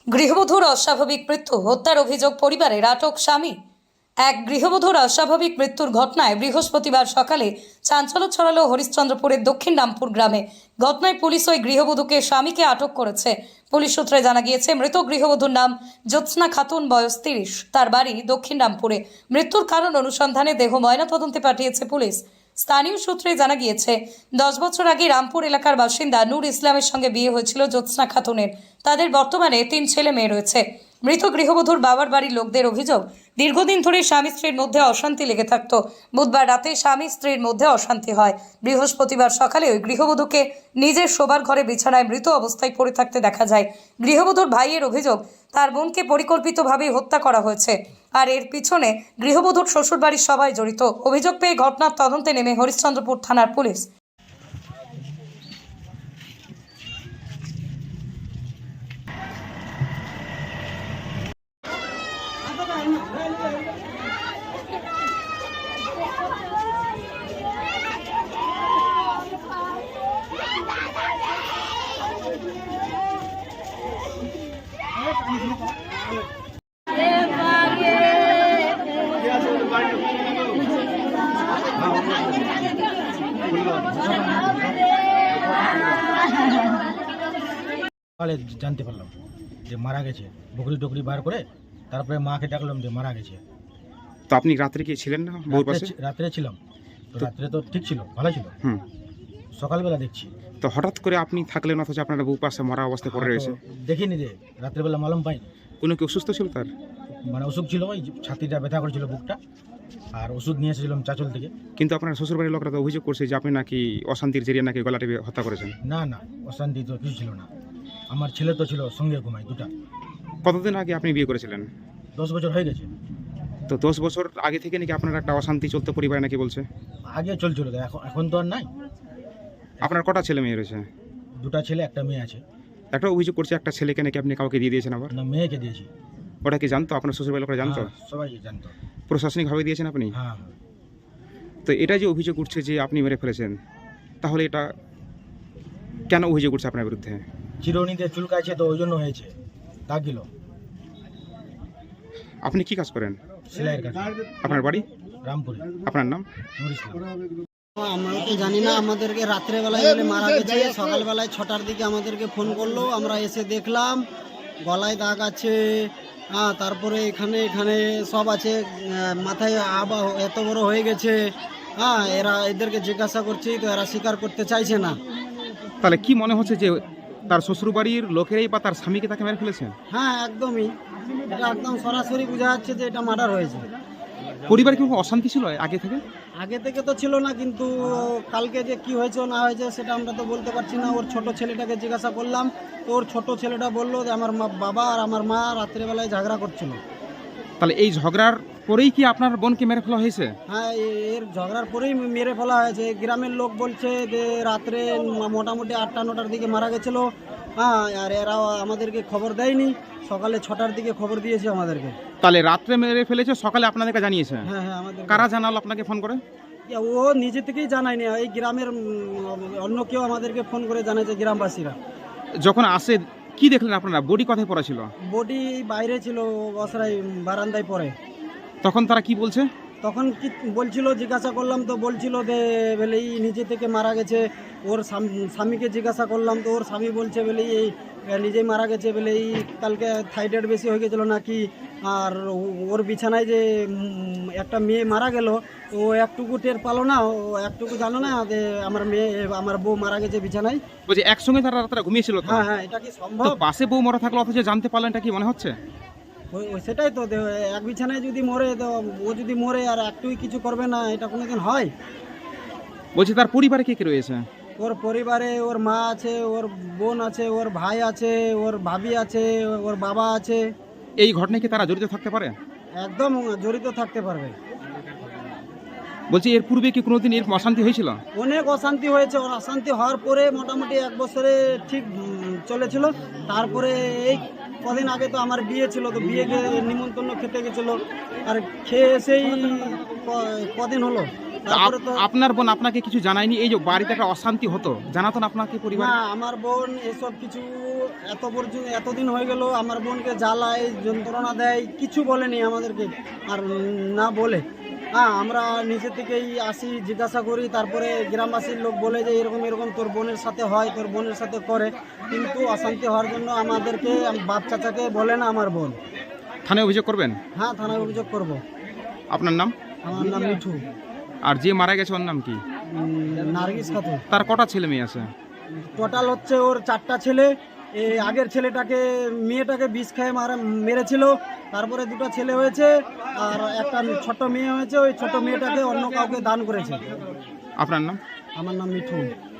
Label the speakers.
Speaker 1: গৃহবধূর অস্বাভাবিক মৃত্যু, হত্যার অভিযোগ পরিবারের, আটক স্বামী। এক গৃহবধূর অস্বাভাবিক মৃত্যুর ঘটনায় বৃহস্পতিবার সকালে চাঞ্চল্য ছড়ালো হরিশ্চন্দ্রপুরের দক্ষিণ রামপুর গ্রামে। ঘটনায় পুলিশ ওই গৃহবধূকে স্বামীকে আটক করেছে। পুলিশ সূত্রে জানা গিয়েছে, মৃত গৃহবধূর নাম জ্যোৎস্না খাতুন, বয়স 30, তার বাড়ি দক্ষিণ রামপুরে। মৃত্যুর কারণ অনুসন্ধানে দেহ ময়নাতদন্তে পাঠিয়েছে পুলিশ। স্থানীয় সূত্রে জানা গিয়েছে, 10 বছর আগে রামপুর এলাকার বাসিন্দা নূর ইসলামের সঙ্গে বিয়ে হয়েছিল জ্যোৎস্না খাতুনের। তাদের বর্তমানে 3 ছেলে মেয়ে রয়েছে। মৃত গৃহবধূর বাবার বাড়ির লোকদের অভিযোগ, দীর্ঘদিন ধরে স্বামী স্ত্রীর মধ্যে অশান্তি লেগে থাকত। বুধবার রাতে স্বামী স্ত্রীর মধ্যে অশান্তি হয়। বৃহস্পতিবার সকালে ওই গৃহবধূকে নিজের শোবার ঘরে বিছানায় মৃত অবস্থায় পড়ে থাকতে দেখা যায়। গৃহবধূর ভাইয়ের অভিযোগ, তার বোনকে পরিকল্পিতভাবেই হত্যা করা হয়েছে, আর এর পিছনে গৃহবধূর শ্বশুরবাড়ির সবাই জড়িত। অভিযোগ পেয়ে ঘটনার তদন্তে নেমে হরিশ্চন্দ্রপুর থানার পুলিশ।
Speaker 2: সকালে জানতে পারলাম যে মারা গেছে। বকরি টকরি বার করে তারপরে মাকে ডাকলাম যে মারা গেছে।
Speaker 3: তো আপনি রাত্রে কি ছিলেন না বউর পাশে?
Speaker 2: রাত্রে ছিলাম, তো রাত্রে তো ঠিক ছিল, ভালো ছিল। সকালবেলা দেখছি
Speaker 3: তো হঠাৎ করে আপনি থাকলেন, অথচ আপনার বউ পাশে মরা অবস্থায় পড়ে রয়েছে।
Speaker 2: দেখিনি রে, রাত্রেবেলা মালুম পাইনি।
Speaker 3: কোনো কি অসুস্থ ছিল তার?
Speaker 2: মানে অসুখ ছিল, ওই ছাতিটা ব্যথা করেছিল, বুকটা, আর ওষুধ নিয়ে এসেছিলাম চাচল থেকে।
Speaker 3: কিন্তু আপনার শ্বশুরবাড়ির লোকরা তো অভিযোগ করছে যে আপনি নাকি অশান্তির জেরিয়ে নাকি গলা টিপে হত্যা করেছেন।
Speaker 2: না না, অশান্তি তো কিছু ছিল না। আমার ছেলে তো ছিল সঙ্গে, ঘুমাই দুটা।
Speaker 3: কতদিন আগে আপনি বিয়ে করেছিলেন?
Speaker 2: 10 বছর হয়ে গেছে।
Speaker 3: তো 10 বছর আগে থেকে নাকি আপনার একটা অশান্তি চলতে পরিবারে নাকি বলছে?
Speaker 2: আগে চলছিল, তো এখন তো আর নাই।
Speaker 3: আপনার কটা ছেলে মেয়ে রয়েছে?
Speaker 2: দুটা ছেলে, একটা মেয়ে আছে।
Speaker 3: একটা অভিযোগ করছে একটা ছেলেকে নাকি আপনি কাউকে দিয়ে দিয়েছেন আবার।
Speaker 2: না, মেয়েকে দিয়েছি।
Speaker 3: ওটা কি জানতো আপনার শ্বশুরবাড়ির লোকরা জানতো?
Speaker 2: হ্যাঁ, সবাই জানতো।
Speaker 3: প্রশাসনিকভাবে দিয়েছেন আপনি?
Speaker 2: হ্যাঁ।
Speaker 3: তো এটা যে অভিযোগ উঠছে যে আপনি মেরে ফেলেছেন, তাহলে এটা কেন অভিযোগ উঠছে আপনার বিরুদ্ধে?
Speaker 2: চিরুনিতে চুলকাইছে, তো ওই জন্য হয়েছে, দাগিল।
Speaker 3: আপনি কি কাজ করেন?
Speaker 2: সেলাইয়ের কাজ।
Speaker 3: আপনার বাড়ি
Speaker 2: রামপুরে।
Speaker 3: আপনার নাম?
Speaker 2: নূর ইসলাম।
Speaker 4: আমরা তো জানি না, আমাদেরকে রাত্রেবেলায় বলে মারা গেছে। সকালবেলায় 6টার দিকে আমাদেরকে ফোন করলো, আমরা এসে দেখলাম গলায় দাগ আছে, হ্যাঁ, তারপরে এখানে এখানে সব আছে, মাথায় আবা এত বড় হয়ে গেছে। হ্যাঁ, এদেরকে জিজ্ঞাসা করছি তো এরা স্বীকার করতে চাইছে না।
Speaker 3: তাহলে কি মনে হচ্ছে যে তার শ্বশুরবাড়ির লোকেরাই বা তার স্বামীকে তাকে মেরে ফেলেছেন?
Speaker 4: হ্যাঁ, একদমই, এটা একদম সরাসরি বোঝা যাচ্ছে যে এটা মার্ডার হয়েছে।
Speaker 3: পরিবারে কি কোনো অশান্তি ছিল আগে থেকে?
Speaker 4: আগে থেকে তো ছিল না, কিন্তু কালকে যে কি হয়েছে না হয়েছে সেটা আমরা তো বলতে পারছি না। ওর ছোট ছেলেটাকে জিজ্ঞাসা করলাম, তো ওর ছোট ছেলেটা বললো যে আমার বাবা আর আমার মা রাত্রেবেলায় ঝগড়া করছিল।
Speaker 3: তাহলে এই ঝগড়ার পরেই কি আপনার বোনকে মেরে ফেলা হয়েছে?
Speaker 4: হ্যাঁ, এর ঝগড়ার পরেই মেরে ফেলা হয়েছে। গ্রামের লোক বলছে যে রাত্রে মোটামুটি 8টা-9টার দিকে মারা গেছিলো। হ্যাঁ, আর এরা আমাদেরকে খবর দেয়নি, সকালে 6টার দিকে খবর দিয়েছে আমাদেরকে।
Speaker 3: তাহলে রাত্রে মেরে ফেলেছে, সকালে আপনাদেরকে জানিয়েছে?
Speaker 4: হ্যাঁ হ্যাঁ, আমাদের।
Speaker 3: কারা জানালো আপনাকে ফোন করে?
Speaker 4: ও নিজে থেকেই জানায়নি, এই গ্রামের অন্য কেউ আমাদেরকে ফোন করে জানাইছে, গ্রামবাসীরা।
Speaker 3: যখন আসে কি দেখলেন আপনারা? বডি কোথায় পড়া ছিল?
Speaker 4: বডি বাইরে ছিল, বসরাই বারান্দায় পড়ে।
Speaker 3: তখন তারা কি বলছে?
Speaker 4: তখন কি বলছিল, জিজ্ঞাসা করলাম তো বলছিল যে বলে এই নিজে থেকে মারা গেছে। ওর স্বামীকে জিজ্ঞাসা করলাম, তো ওর স্বামী বলছে বলে এই নিজেই মারা গেছে, বলে এই কালকে থাইরয়েড বেশি হয়ে গেছিলো নাকি। আর ওর বিছানায় যে একটা মেয়ে মারা গেল, ও একটুকু টের পালো না, ও একটুকু জানো না যে আমার বউ মারা গেছে বিছানায়।
Speaker 3: বলছে একসঙ্গে তারা রাত্রে ঘুমিয়েছিল?
Speaker 4: হ্যাঁ হ্যাঁ, এটা কি সম্ভব?
Speaker 3: পাশে বউ মরা থাকলো অথচ জানতে পারলেন, এটা কি মনে হচ্ছে?
Speaker 4: সেটাই তো, এক বিছানায় যদি মরে, তো ও যদি মরে আর একটুই কিছু করবে না, এটা কোনোদিন হয়?
Speaker 3: বলছে তার পরিবারে কে কে রয়েছে?
Speaker 4: ওর পরিবারে ওর মা আছে, ওর বোন আছে, ওর ভাই আছে, ওর ভাবি আছে, ওর বাবা আছে।
Speaker 3: এই ঘটনায় কি তারা জড়িত থাকতে পারে?
Speaker 4: একদম জড়িত থাকতে পারবে।
Speaker 3: বলছি এর পূর্বে কি কোনোদিন এরকম অশান্তি হয়েছিল?
Speaker 4: অনেক অশান্তি হয়েছে। ওর অশান্তি হওয়ার পরে মোটামুটি 1 বছরে ঠিক চলেছিল। তারপরে এই কদিন আগে তো আমার বিয়ে ছিল, তো বিয়েকে নিমন্ত্রণ খেতে গেছিলো, আর খেয়ে এসেই কদিন হলো। তারপরে তো
Speaker 3: আপনার বোন আপনাকে কিছু জানায়নি? এই যে বাড়িতে একটা অশান্তি হতো, জানাতো না আপনাকে পরিবার?
Speaker 4: না, আমার বোন এসব কিছু এতদিন হয়ে গেল আমার বোনকে জ্বালায় যন্ত্রণা দেয়, কিছু বলেনি আমাদেরকে আর না বলে। হ্যাঁ, আমরা নিচে থেকেই আসি, জিজ্ঞাসা করি, তারপরে গ্রামবাসীর লোক বলে যে এরকম এরকম তোর বোনের সাথে হয়, তোর বোনের সাথে করে, কিন্তু অশান্তি হওয়ার জন্য আমাদেরকে বাপ চাচাকে বলে না আমার বোন।
Speaker 3: থানায় অভিযোগ করবেন?
Speaker 4: হ্যাঁ, থানায় অভিযোগ করব।
Speaker 3: আপনার নাম?
Speaker 4: আমার নাম মিঠু।
Speaker 3: আর যে মারা গেছে ওর নাম কি?
Speaker 4: নার্গিস খাতুন।
Speaker 3: তার কটা ছেলে মেয়ে আছে?
Speaker 4: টোটাল হচ্ছে ওর 4টা ছেলে। এই আগের ছেলেটাকে মেয়েটাকে বিষ খেয়ে মেরেছিল, তারপরে 2টা ছেলে হয়েছে আর একটা ছোট মেয়ে হয়েছে। ওই ছোট মেয়েটাকে অন্য কাউকে দান করেছে।
Speaker 3: আপনার নাম?
Speaker 4: আমার নাম মিঠু।